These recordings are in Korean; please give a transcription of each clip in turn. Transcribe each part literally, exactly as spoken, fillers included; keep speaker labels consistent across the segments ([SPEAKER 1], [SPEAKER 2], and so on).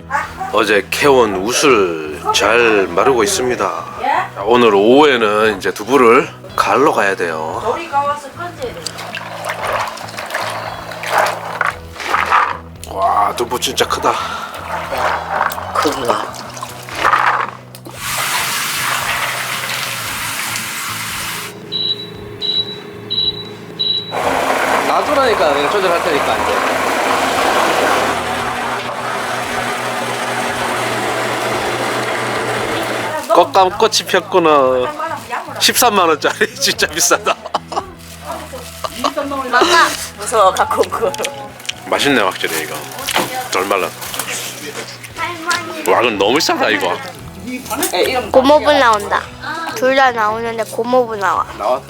[SPEAKER 1] 어제 캐온 웃을 잘 마르고 있습니다. 자, 오늘 오후에는 이제 두부를 갈러 가야 돼요.
[SPEAKER 2] 조리가 와서 건져야 돼.
[SPEAKER 1] 와, 두부 진짜 크다.
[SPEAKER 2] 크기가.
[SPEAKER 1] 놔두라니까 내가 조절할 테니까 이제. 꽃감 꽃이 폈구나. 십삼만 원짜리 진짜 비싸다.
[SPEAKER 2] 막아. 무서워 갖고 온 거.
[SPEAKER 1] 맛있네 확실히 이거. 덜 말라. 와 이건 너무 비싸다 이거.
[SPEAKER 3] 고모부 나온다. 둘 다 나오는데 고모부 나와.
[SPEAKER 1] 나와.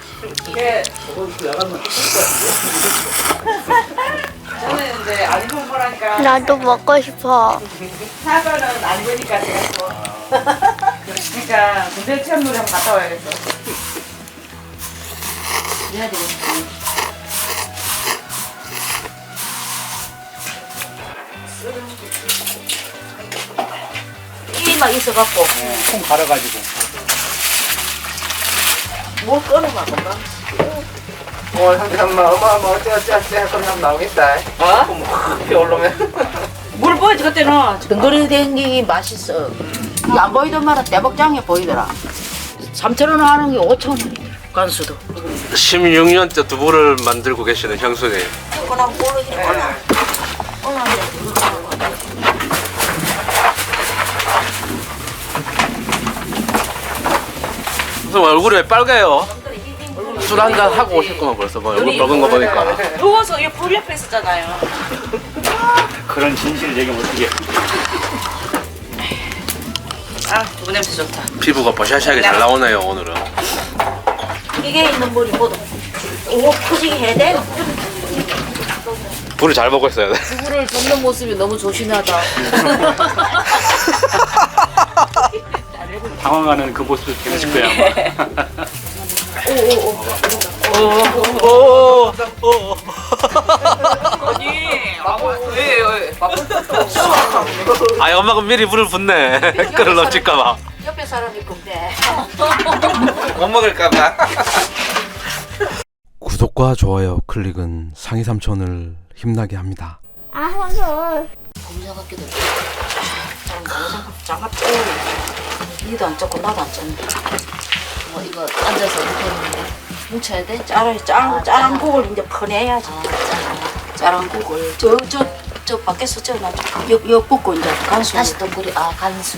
[SPEAKER 2] 저는 이제 안 입은 거라니까.
[SPEAKER 3] 나도 먹고 싶어.
[SPEAKER 2] 사과는 안 입으니까 제가 또. 그러니까 군대 체험놀이 한번 갔다 와야겠어. 해야 되겠다. 이막 있어갖고
[SPEAKER 4] 콩 갈아가지고.
[SPEAKER 2] 뭘 꺼내봐 금방.
[SPEAKER 5] 뭐 잠깐만 엄마 뭐 어쩌어쩌어쩌 그럼 한번 나오겠다.
[SPEAKER 2] 어?
[SPEAKER 5] 뭐 올라오면
[SPEAKER 2] 물 보이지 그때는 등거리 댕기기 맛있어. 안 보이던 말은 대박장에 보이더라. 삼천 원 하는 게 오천 원이더라. 간수도.
[SPEAKER 1] 십육 년째 두부를 만들고 계시는 형수님.
[SPEAKER 2] 그냥 모르지 몰라.
[SPEAKER 1] 무슨 얼굴이 왜 빨개요? 술 한잔 하고 오셨구만 벌써 뭐 얼굴 먹은 거 보니까.
[SPEAKER 2] 더워서 이 불 옆에 있었잖아요.
[SPEAKER 4] 그런 진실을 얘기하면 어떻게.
[SPEAKER 2] 아, 두부 냄새 좋다.
[SPEAKER 1] 피부가 버샤시하게 잘 나오네요 오늘은.
[SPEAKER 2] 이게 있는 물이 뭐도. 이거 푸지게 해야 돼?
[SPEAKER 1] 불을 잘 먹고 있어야 돼.
[SPEAKER 2] 두부를 젓는 모습이 너무 조심하다.
[SPEAKER 4] 당황하는 그 모습을 보실 거야 아마.
[SPEAKER 1] 오.
[SPEAKER 2] 아니, 왜, 왜?
[SPEAKER 1] 아 엄마가 미리 불을 붓네. 끓을 넘칠까봐.
[SPEAKER 2] 옆에 사람이 근데.
[SPEAKER 5] 못 먹을까봐.
[SPEAKER 1] 구독과 좋아요 클릭은 상위 삼촌을 힘나게 합니다.
[SPEAKER 3] 아, 손.
[SPEAKER 2] 공자 같기도 해. 장갑 쪼. 니도 안 쪘고 나도 안 쪘는데. 뭐 이거 앉아서 이렇게 했는데 뭉쳐야 돼? 짜라, 짜, 짜란 국을 이제 퍼내야지. 아, 짜란 국을. 저, 저, 저 밖에서 저, 나, 여, 여 붓고 이제 간수. 다시 또 끓이, 아, 간수.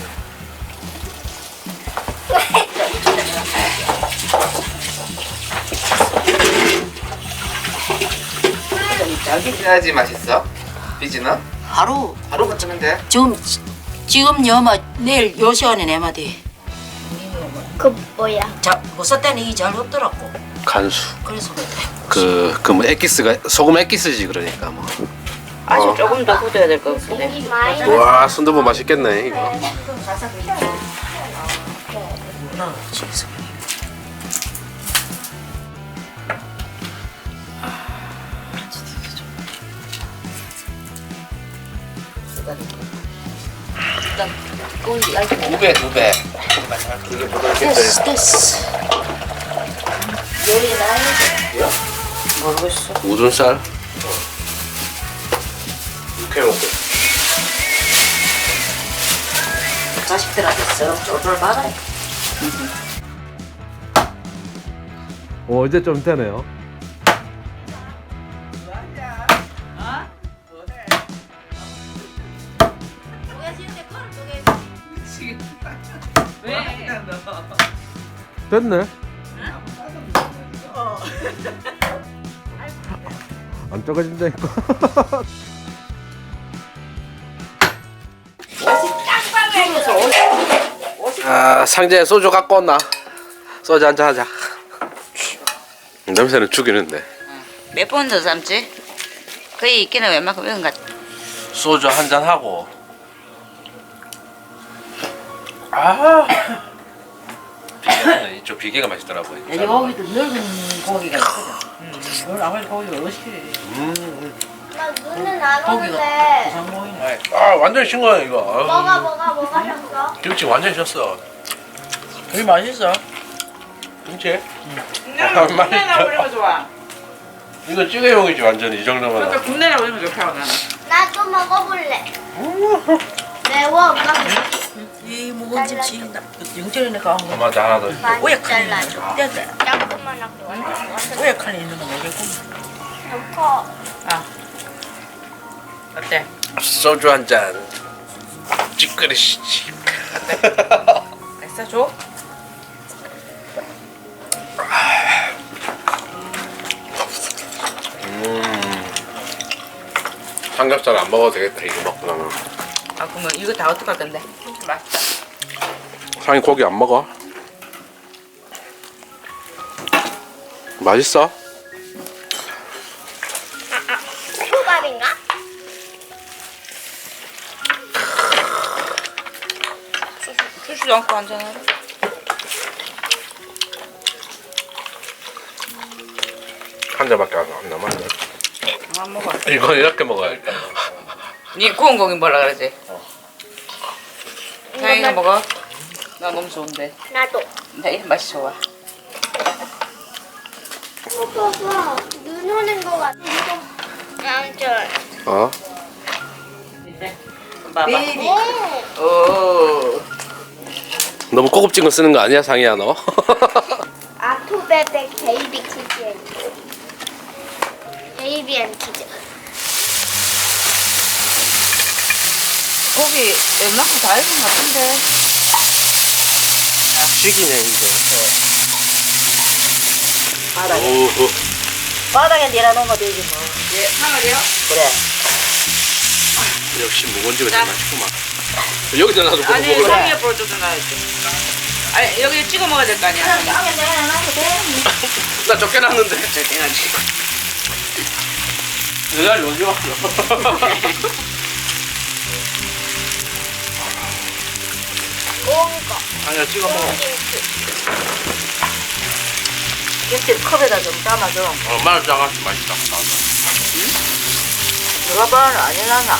[SPEAKER 5] 빚어야지 맛있어. 빚이나?
[SPEAKER 2] 하루.
[SPEAKER 5] 하루 거치면 돼.
[SPEAKER 2] 지금, 지금 여마, 내일 요 시간에 내 마디.
[SPEAKER 3] 그 뭐야?
[SPEAKER 2] 자, 못 썼다는 이게 잘 없더라고.
[SPEAKER 1] 간수.
[SPEAKER 2] 그래서 그래.
[SPEAKER 1] 그 그 뭐 액기스가 소금 액기스지 그러니까 뭐.
[SPEAKER 2] 아직
[SPEAKER 1] 어.
[SPEAKER 2] 조금 더 굳어야 될 것 같은데.
[SPEAKER 3] 이 많이
[SPEAKER 1] 와 순두부 맛있겠네 이거.
[SPEAKER 2] 일단 끓이 얇게.
[SPEAKER 5] 두 배, 두 배. 이게 부드럽겠어요.
[SPEAKER 2] 됐어, 됐어. 요리 나야 모르겠어.
[SPEAKER 1] 우둔살.
[SPEAKER 5] 이렇게 먹고.
[SPEAKER 2] 자식들한테 썩 쫄쫄 받아요.
[SPEAKER 1] 오 이제 좀 되네요. 됐네. 안 적어진다니까. 아 상자에 소주 갖고 온나? 소주 한잔 하자. 냄새는 죽이는데.
[SPEAKER 2] 몇 번 더 삶지? 거의 있기는 웬만큼 외운 것 같아.
[SPEAKER 1] 소주 한잔 하고. 아. 비계는 이쪽 비계가 맛있더라고요.
[SPEAKER 2] 여기도 늙은 고기가 있거든. 음, 아무리 고기가 멋있게.
[SPEAKER 1] 음.
[SPEAKER 3] 나 눈은 안 오는데.
[SPEAKER 1] 아 완전 싱거워 이거.
[SPEAKER 3] 뭐가 뭐가 뭐가 셨어?
[SPEAKER 1] 김치 완전 셨어.
[SPEAKER 5] 되게 맛있어.
[SPEAKER 1] 김치?
[SPEAKER 5] 국내나 국내나 올리면 좋아.
[SPEAKER 1] 이거 찌개용이지 완전 이 정도면.
[SPEAKER 5] 그러니까 국내나 올리면 좋다고 나는.
[SPEAKER 3] 나도 먹어볼래. 매워 엄마.
[SPEAKER 5] 이 묵은 김치 영철이네 가온 거.
[SPEAKER 1] 엄마한테 하나 더.
[SPEAKER 5] 왜
[SPEAKER 3] 많이
[SPEAKER 5] 칸이
[SPEAKER 3] 잘라줘.
[SPEAKER 5] 있는 거?
[SPEAKER 3] 조금만 하고.
[SPEAKER 5] 왜 칸이 있는 거 모르겠고.
[SPEAKER 3] 너무 커.
[SPEAKER 5] 아. 어때?
[SPEAKER 1] 소주 한 잔. 찌끄리시지.
[SPEAKER 5] 맛있어 줘?
[SPEAKER 1] 음. 삼겹살 안 먹어도 되겠다 이거 먹고 나면.
[SPEAKER 5] 아 그러면 이거 다 어떡할 건데? 맛있다.
[SPEAKER 1] 상이 고기 안 먹어? 맛있어?
[SPEAKER 3] 초밥인가?
[SPEAKER 5] 주지도 않고 앉아놔.
[SPEAKER 1] 한 잔밖에 안 남았네.
[SPEAKER 5] 안 먹어.
[SPEAKER 1] 이건 이렇게 먹어야겠다.
[SPEAKER 5] 니 구운 고기 먹으라 그러지? 자기가 먹어. 나 너무 좋은데.
[SPEAKER 3] 나도.
[SPEAKER 5] 나 맛이 좋아.
[SPEAKER 3] 봐봐. 눈 오는 거 같아. 양절.
[SPEAKER 1] 어?
[SPEAKER 5] 봐봐.
[SPEAKER 3] 네.
[SPEAKER 5] 오.
[SPEAKER 1] 너무 고급진 거 쓰는 거 아니야 상이야 너?
[SPEAKER 3] 아토베베 베이비 키즈. 베이비 앤 키즈.
[SPEAKER 5] 고기 웬만큼 다 익은 것 같은데.
[SPEAKER 1] 죽이네 이거.
[SPEAKER 2] 바닥에
[SPEAKER 1] 오.
[SPEAKER 2] 바닥에 내려놓으면 되지 뭐.
[SPEAKER 5] 예, 상을요?
[SPEAKER 2] 그래.
[SPEAKER 1] 역시 묵은지가
[SPEAKER 5] 자.
[SPEAKER 1] 제일 맛있구만. 여기다 놔도 보고
[SPEAKER 5] 아니,
[SPEAKER 1] 먹으라.
[SPEAKER 5] 상에 볼 뜯어 놔야지. 아니, 여기 찍어 먹어야 될 거 아니야?
[SPEAKER 2] 땅에 내려놔도 돼.
[SPEAKER 1] 나 쫓겨났는데.
[SPEAKER 5] 해야지.
[SPEAKER 1] 내 자리 언제 왔어?
[SPEAKER 3] 온 거.
[SPEAKER 1] 아니야 찍어 먹어.
[SPEAKER 2] 김치 컵에다 좀 담아줘.
[SPEAKER 1] 어, 마늘 짜가지고 맛있다.
[SPEAKER 2] 누가 봐는 안 해놨나?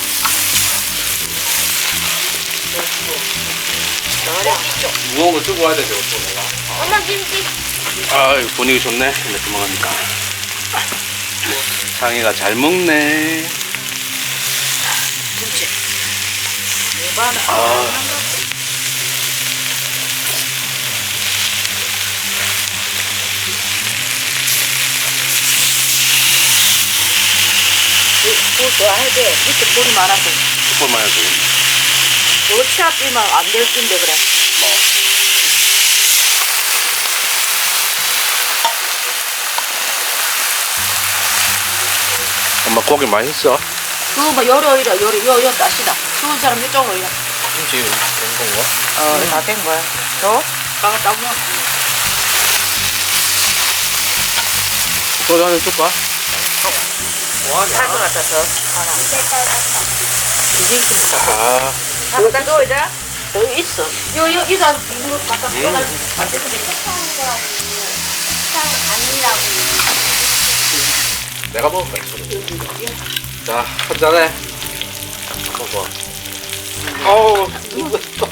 [SPEAKER 1] 무거운 거 들고 와야 돼 저것도 내가.
[SPEAKER 3] 엄마 김치.
[SPEAKER 1] 아 분위기 좋네. 이렇게 먹으니까. 상이가 잘 먹네.
[SPEAKER 2] 김치. 누가는
[SPEAKER 1] 아.
[SPEAKER 2] 물 좋아해야 돼. 밑에 불이 많아서.
[SPEAKER 1] 숯불만 해도
[SPEAKER 2] 이거 치아비면 안 될 텐데 그래.
[SPEAKER 1] 엄마 고기 맛있어?
[SPEAKER 2] 그거 뭐 요리 이래 요리 요요 따시다. 추운 사람 이쪽으로 이래.
[SPEAKER 1] 김치 된 건가?
[SPEAKER 5] 어, 다 된 거야. 줘?
[SPEAKER 2] 가가 따고.
[SPEAKER 1] 소주 한잔 줄까?
[SPEAKER 2] 할 것 같아서. 하나. 이게 있으니까.
[SPEAKER 1] 아.
[SPEAKER 2] 갖다 줘 이제. 여기 있어. 요, 요, 이거 이거 갖다 줘. 안 되는데.
[SPEAKER 3] 아니라고.
[SPEAKER 1] 내가 먹을 거야 소주. 자, 한 잔해. 먹어. 어우, 뜨겁다.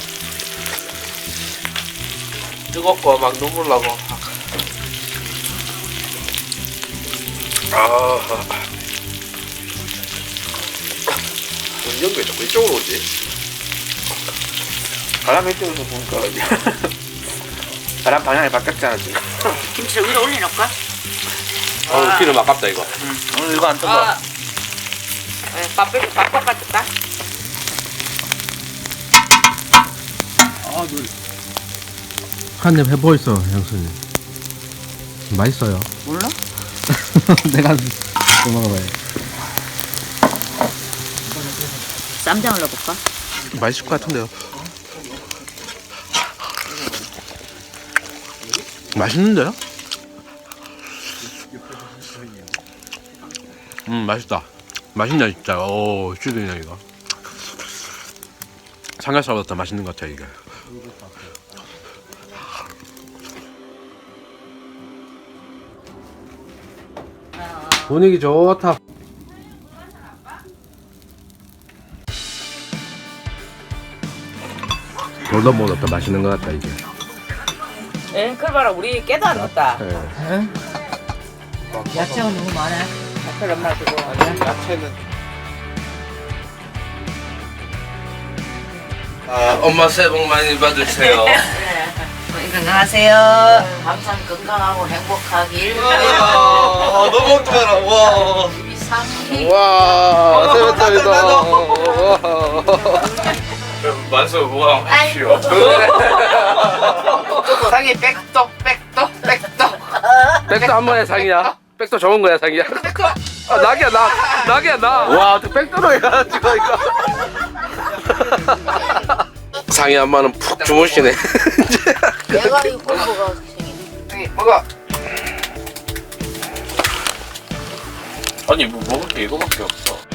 [SPEAKER 1] 뜨겁고 막 눈물 나고. 아. 연기 왜 자꾸 이쪽으로 오지?
[SPEAKER 5] 바람 이쪽에서 보니까. 바람 방향이 바뀌었잖아, 지금.
[SPEAKER 2] 김치를 위로 올려놓을까?
[SPEAKER 1] 어우, 기름 아깝다 이거.
[SPEAKER 5] 오늘 이거 안 뜬다.
[SPEAKER 2] 아. 네, 밥, 밥, 밥 깎아줄까?
[SPEAKER 5] 아, 눈.
[SPEAKER 6] 한 입 해보이소 형수님. 맛있어요.
[SPEAKER 5] 몰라?
[SPEAKER 6] 내가 또 먹어봐요.
[SPEAKER 2] 쌈장을 넣어볼까?
[SPEAKER 1] 맛있을 것 같은데요. 맛있는데요? 음, 맛있다. 맛있네 진짜. 오, 죽이네 이거. 삼겹살보다 더 맛있는 것 같아 이게. 분위기 좋다. 돌도 못 넣었다. 맛있는 것 같다 이제.
[SPEAKER 5] 에, 그걸 봐라. 우리 깨도 안 넣었다.
[SPEAKER 1] 예.
[SPEAKER 5] 야채가 너무 많아. 야채를 엄마 주고.
[SPEAKER 1] 야채는. 아, 엄마 새해 복 많이 받으세요.
[SPEAKER 5] 건강하세요.
[SPEAKER 2] 항상 건강하고 행복하길.
[SPEAKER 1] 와, 너무 먹지 마라. 와.
[SPEAKER 2] 이상이.
[SPEAKER 1] 와, 새해부터이다. 만수 보강 하십시오.
[SPEAKER 5] 상이 백도, 백도, 백도.
[SPEAKER 1] 백도 한 번에 상이야. 백도 좋은 거야 상이야. 아 낙이야 낙. 낙이야 낙. 와, 또 백도로 해가지고 이거. 상이 엄마는 푹 주무시네.
[SPEAKER 2] 내가 이 공부가 생기네.
[SPEAKER 5] 먹어.
[SPEAKER 4] 아니 뭐 먹을 게 이거밖에 없어.